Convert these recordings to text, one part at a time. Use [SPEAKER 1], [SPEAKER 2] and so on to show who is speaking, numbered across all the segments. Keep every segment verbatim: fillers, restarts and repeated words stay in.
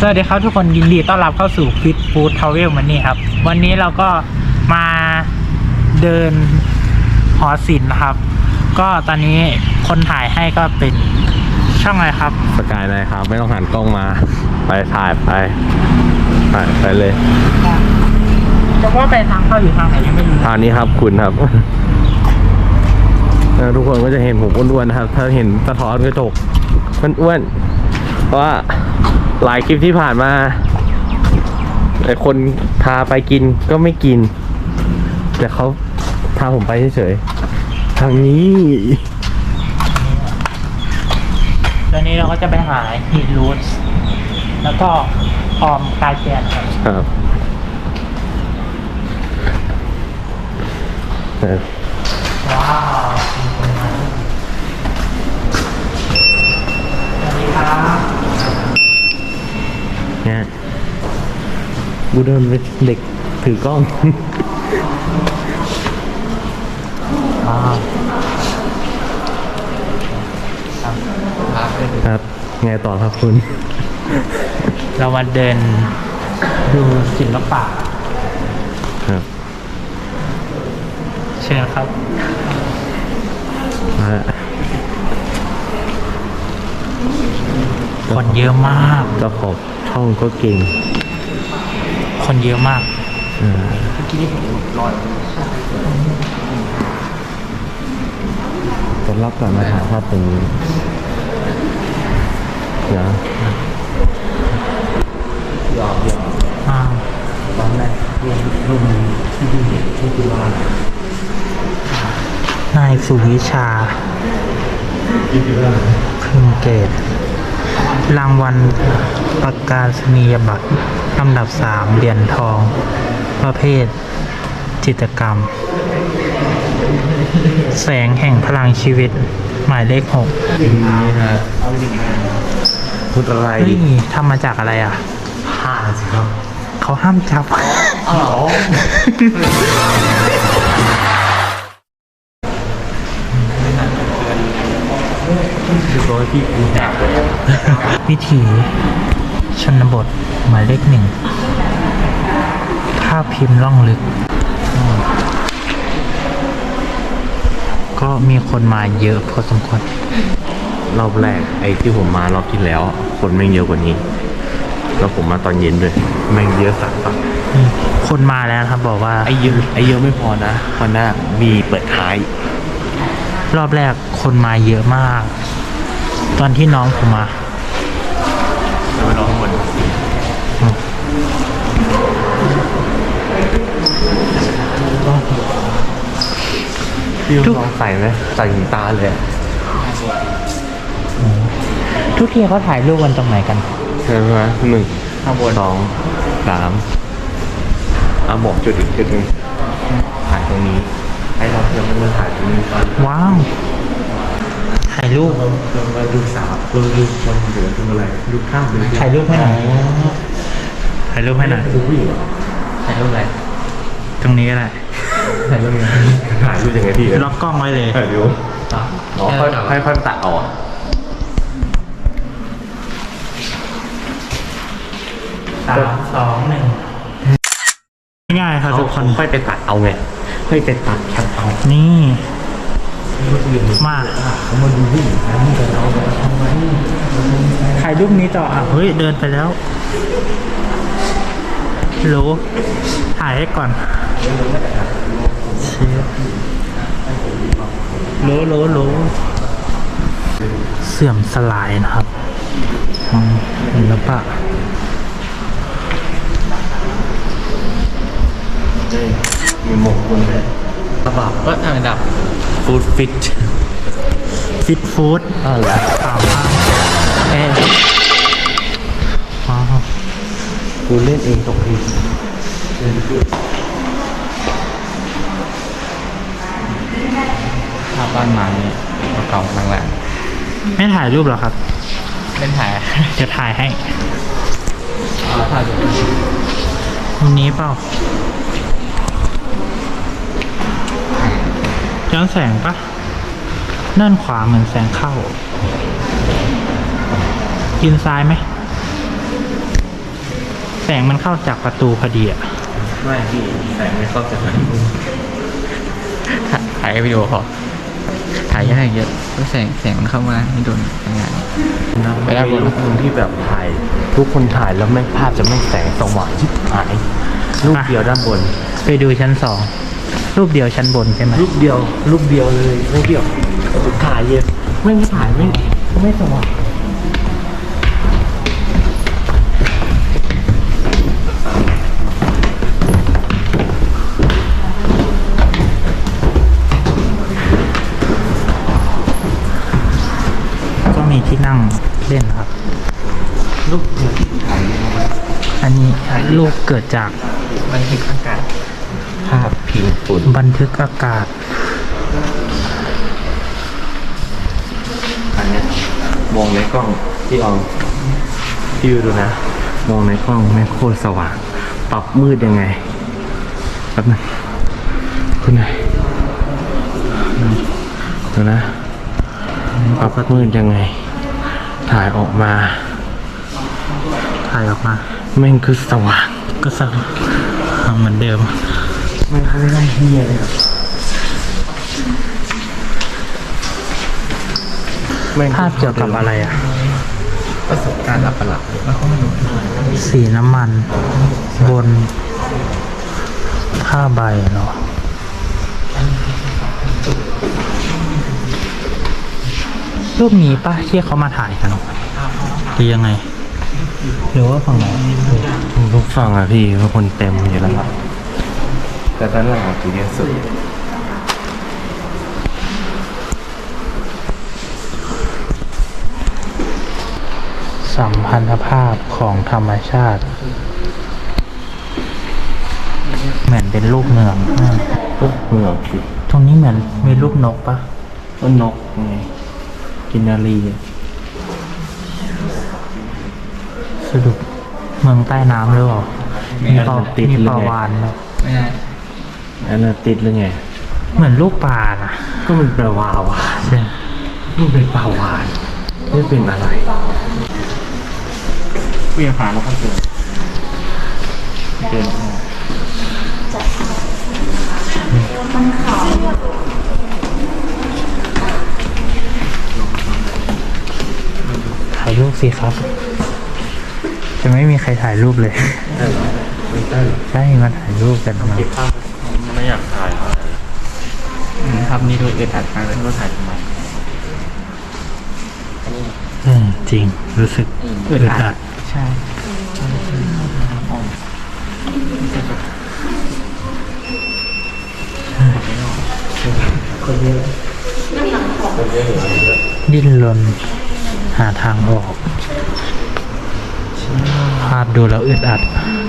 [SPEAKER 1] วัสดีครับทุกคนยินดีต้อนรับเข้าสู่ Fit Food Travel Money ครับวันนี้เราก็มาเดินหอศิลป์นะครับก็ตอนนี้คนถ่ายให้ก็เป็นช่องอะไรครับ
[SPEAKER 2] สกายเลยครับไม่ต้องหันกล้องมาไปถ่ายไปถ่ายไปเลย
[SPEAKER 1] จะว่าไปทางเข้าอยู่ทางไหนยังไม่รู้
[SPEAKER 2] ทางนี้ครับคุณครับทุกคนก็จะเห็นผมอ้วนๆนะครับถ้าเห็นสะท้อนกระจกมันอ้วนเพราะว่าหลายคลิปที่ผ่านมาไอ้คนพาไปกินก็ไม่กินแต่เขาพาผมไปเฉยๆทางนี้
[SPEAKER 1] ตอนนี้เราก็จะไปหาฮีทรูทแล้วก็ออมกายแกนครับ
[SPEAKER 2] ครับ
[SPEAKER 1] ว้าวสวัสดีครับ
[SPEAKER 2] เนี่ยกูเดินเป็นเด็กถือกล้อง
[SPEAKER 1] ว้าว
[SPEAKER 2] ครับไงต่อครับคุณ
[SPEAKER 1] เรามาเดินดูศิลปะ
[SPEAKER 2] ครับ
[SPEAKER 1] เชิญครับคนเยอะมาก
[SPEAKER 2] เจ้าของช่องก็เก่ง
[SPEAKER 1] คนเยอะมาก
[SPEAKER 2] อ่าเมื่อกี้นี่ผมลอยต้อนรับก่อนมาถ่ายภาพตรงนี้เดี๋ยวยอมยอม
[SPEAKER 1] อ่า
[SPEAKER 2] ตอนแรกรูปรูปนี้ที่ดูเห็นที่ดูว่
[SPEAKER 1] านายสุวิชาพึงเกตรางวัลประกาศนียบัตรลำดับสามเหรียญทองประเภทจิตรกรรมแสงแห่งพลังชีวิตหมายเลขหก
[SPEAKER 2] นี่ฮะพูดอะไร
[SPEAKER 1] เฮ้ยทำมาจากอะไรอ่ะ
[SPEAKER 2] ผ้าสิครับ
[SPEAKER 1] เขาห้ามจับ
[SPEAKER 2] อ๋อพี่กูจับ
[SPEAKER 1] วิถีชนบทหมายเลขหนึ่งภาพพิมพ์ล่องลึกก็มีคนมาเยอะพอสมควร
[SPEAKER 2] รอบแรกไอ้ที่ผมมารอบที่แล้วคนแม่งเยอะกว่านี้แล้วผมมาตอนเย็นด้วยแม่งเยอะสัสปะ
[SPEAKER 1] คนมาแล้วครับบอกว่า
[SPEAKER 2] ไอ้เยอะไอ้เยอะไม่พอนะเพราะหน้ามีเปิดท้าย
[SPEAKER 1] รอบแรกคนมาเยอะมากตอนที่น้องผมมา
[SPEAKER 2] แล้วไปรอข้างบนพี่ลองใส่ไหมใส่ถึงตาเลย
[SPEAKER 1] ทุกทีเขาถ่ายรูปกันตรงไหนกัน
[SPEAKER 2] ใช่ไหมหนึ่งข้างบนสองสามอ่ะบอกจุดอีกจุดหนึ่งถ่ายตรงนี้ให้เราเพื่อนมันมาถ่ายตรงนี้ก่อน
[SPEAKER 1] ว้าวถ่ายรูป
[SPEAKER 2] มาดูสาวดูดูคนเหลือตรงอะไรดูข้าม
[SPEAKER 1] ถ่ายรูปให้หน่อยถ่ายรูปให้หน่อยถ่ายรูปอะไรตรงนี้ก็ได้
[SPEAKER 2] ถ่ายรูปยังไงถ่ายรูปยังไงพี่
[SPEAKER 1] ล็อกกล้องไว้เลย
[SPEAKER 2] ถ่ายรูปอ๋อค่อยค่อยค่อยตัดเอาอ่ะ
[SPEAKER 1] สามสองหนึ่งง่ายครับทุกคน
[SPEAKER 2] ค่อยไปตัดเอาไงค่อยไปตัดแคปเอา
[SPEAKER 1] นี่มา
[SPEAKER 2] เขามาดูผู้หญิงนะนี่แต่เราทำไม
[SPEAKER 1] ถ่ายรูปนี้ต่ออ่ะเฮ้ยเดินไปแล้วโหลถ่ายให้ก่อนโหลโหลโหลเสื่อมสลายนะครับศิลปะ
[SPEAKER 2] มีหมกคนเลยระบาดก็ทางดับฟู้ดฟิต
[SPEAKER 1] ฟิตฟู้ด
[SPEAKER 2] อ๋อเหรอ
[SPEAKER 1] ข่าวมากเอ๊ะว้าว
[SPEAKER 2] กูเล่นเองตกทีภาพบ้านมาเนี่ยเก่าๆแรง
[SPEAKER 1] ๆไม่ถ่ายรูปหรอครับ
[SPEAKER 2] เป็นถ่าย
[SPEAKER 1] จะถ่ายให้
[SPEAKER 2] ถ่าย
[SPEAKER 1] วันนี้เปล่าย้อนแสงปะด้านขวาเหมือนแสงเข้ากินซ้ายไหมแสงมันเข้าจากประตูพอดีอ่ะ
[SPEAKER 2] ไม่พี่แสงไม่เข้าจากไหน
[SPEAKER 3] ถ่ายวิดีโอพอถ่ายยากเยอะเพราะแสงแสงมันเข้ามาไม่โดนทำงาน
[SPEAKER 2] ไปได้รูปหนึงที่แบบถ่ายทุกคนถ่ายแล้วแม่งภาพจะไม่แสงสว่างชิบหายรูปเดียวด้านบน
[SPEAKER 1] ไปดูชั้นสองรูปเดียวชั้นบนใช่ไหม
[SPEAKER 2] รูปเดียวรูปเดียวเลยไม่เดียวถ่ายเยอะไม่งถ่ายไม่ไม่สว่าง
[SPEAKER 1] ก็มีที่นั่งเล่นครับ
[SPEAKER 2] รูปเดียวที่ถ่ายเลยนะ
[SPEAKER 1] อันนี้รูปเกิดจาก
[SPEAKER 3] มันคืออากาศ
[SPEAKER 2] ภาพพิมพ์ฝุ่น
[SPEAKER 1] บันทึกอากาศ
[SPEAKER 2] อันเนี้ยมองในกล้องที่เอาพี่ดูนะ มองในกล้องแม่งโคตรสว่าง ปรับมืดยังไงแป๊บนึงคุณนายดูนะปรับมืดยังไง ถ่ายออกมา
[SPEAKER 1] ถ่ายออกมา
[SPEAKER 2] แม่งคือสว่าง
[SPEAKER 1] ก็สว่างเหมือนเดิม
[SPEAKER 2] แม่งไม่ได้เฮียเลยครับแม่ง
[SPEAKER 1] ภาพเกี่ยวกับอะไรอ่ะ
[SPEAKER 3] ประสบการณ์หลับประหลาดแล้วเขาไม่รู้
[SPEAKER 1] สีน้ำมัน บนผ้าใบเนาะรูปนี้ป่ะที่เขามาถ่ายกันหรือยังไง หรือว่าฝั่งไหน
[SPEAKER 2] ทุกฝั่งอะพี่เป็นคนเต็มอยู่แล้วครับแต่ด้านหลังคือเยอะสุด
[SPEAKER 1] สัมพันธภาพของธรรมชาติ เหมือนเป็นลูกเมืองอ่า
[SPEAKER 2] ปุ๊บเหมืองสิ
[SPEAKER 1] ตรงนี้เหมือนมีลูกนกปะ
[SPEAKER 2] ต้นนกไงกินนารีอะ
[SPEAKER 1] สรุปเมืองใต้น้ำหรือเปล่ามีปลามีปลาวานไหม
[SPEAKER 3] ไม่ได้
[SPEAKER 2] อันนั้นติดหรือไง
[SPEAKER 1] เหมือนลูกปลานะ
[SPEAKER 2] ก็มันแปลว่าวา
[SPEAKER 1] ใช่
[SPEAKER 2] มันเป็นปลาวานไม่เป็นอะไร
[SPEAKER 3] เวียนผ่านแล้วก็เจอเดิน
[SPEAKER 1] ถ่ายรูปสิครับ จะไม่มีใครถ่ายรูปเลย ใช่มาถ่ายรูปกันมา
[SPEAKER 2] ไม่อยากถ่าย
[SPEAKER 3] ครับนี่ดูอึดอัดมากเลยว่าถ่ายทำไม
[SPEAKER 1] เออจริง รู้สึกอึดอัด
[SPEAKER 3] ใช่
[SPEAKER 1] ดิ้นรนหาทางออก ภาพดูแล้วอึดอัด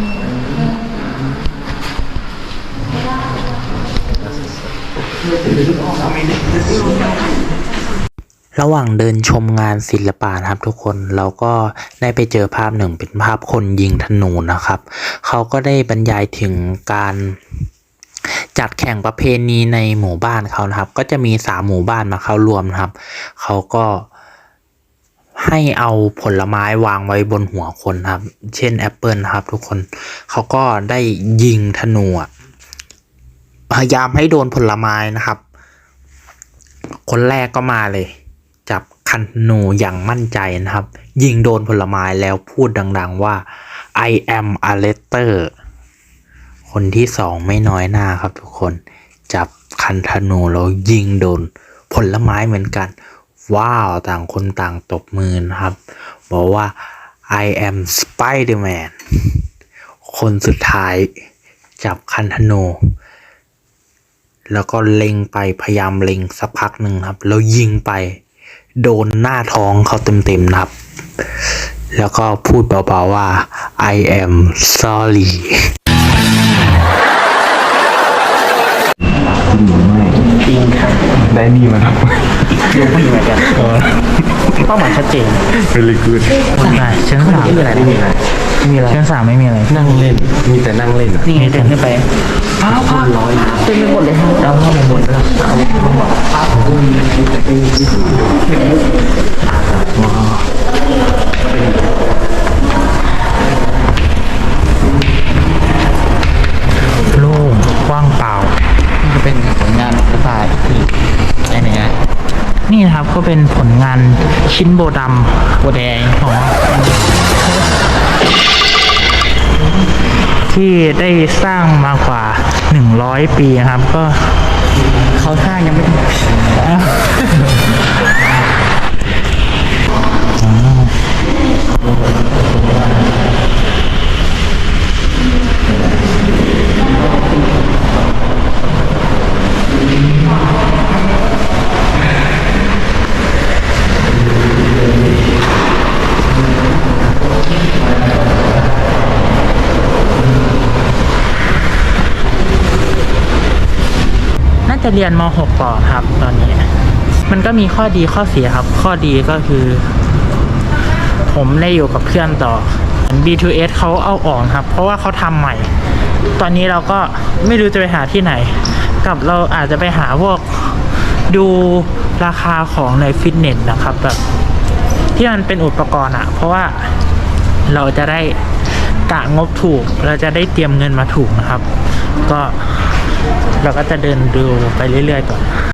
[SPEAKER 1] ระหว่างเดินชมงานศิลปะนะครับทุกคนเราก็ได้ไปเจอภาพหนึ่งเป็นภาพคนยิงธนูนะครับเขาก็ได้บรรยายถึงการจัดแข่งประเพณีในหมู่บ้านเขานะครับก็จะมีสามหมู่บ้านมาเข้าร่วมนะครับเขาก็ให้เอาผลไม้วางไว้บนหัวคนครับเช่นแอปเปิลนะครับทุกคนเขาก็ได้ยิงธนูพยายามให้โดนผลไม้นะครับคนแรกก็มาเลยจับคันธนูอย่างมั่นใจนะครับยิงโดนผลไม้แล้วพูดดังๆว่า I am a letter คนที่สองไม่น้อยหน้าครับทุกคนจับคันธนูแล้วยิงโดนผลไม้เหมือนกันว้าวต่างคนต่างตบมือนะครับบอกว่า I am Spider-Man คนสุดท้ายจับคันธนูแล้วก็เล็งไปพยายามเล็งสักพักหนึ่งครับแล้วยิงไปโดนหน้าท้องเขาเต็มๆนะครับแล้วก็พูดเบาๆว่า I am sorry จริงค่ะ
[SPEAKER 2] ได้นี่มาครับ
[SPEAKER 1] ดูไม่เหมือนกันเป้าหมายชัดเจน
[SPEAKER 2] very good
[SPEAKER 1] คนไหนชั้นสาม
[SPEAKER 2] ไม่มีอะไรไม่มีอะไรมีอะไร
[SPEAKER 1] ชั้นสามไม่มีอะไร
[SPEAKER 2] นั่งเล่นมีแต่นั่งเล่นอะ
[SPEAKER 1] นี่ไงเดินขึ้นไปอ้าวภาพร้อยเต็มไปหมดเลยครับเอาภาพไปหมดแล้วชิ้นโบดำ
[SPEAKER 3] โบแดง
[SPEAKER 1] อ๋อที่ได้สร้างมากว่าหนึ่งร้อยปีนะครับ ก็
[SPEAKER 3] เขาสร้างยังไม่ถึง
[SPEAKER 1] น่าจะเรียนม .หก ต่อครับตอนนี้ มันก็มีข้อดีข้อเสียครับ ข้อดีก็คือ ผมได้อยู่กับเพื่อนต่อ บี ทู เอส เขาเอาออกครับ เพราะว่าเขาทำใหม่ ตอนนี้เราก็ไม่รู้จะไปหาที่ไหน กับเราอาจจะไปหาพวกดูราคาของในฟิตเนสนะครับแบบที่มันเป็นอุปกรณ์อะเพราะว่าเราจะได้กะงบถูก เราจะได้เตรียมเงินมาถูกนะครับ ก็เราก็จะเดินดูไปเรื่อยๆก่อน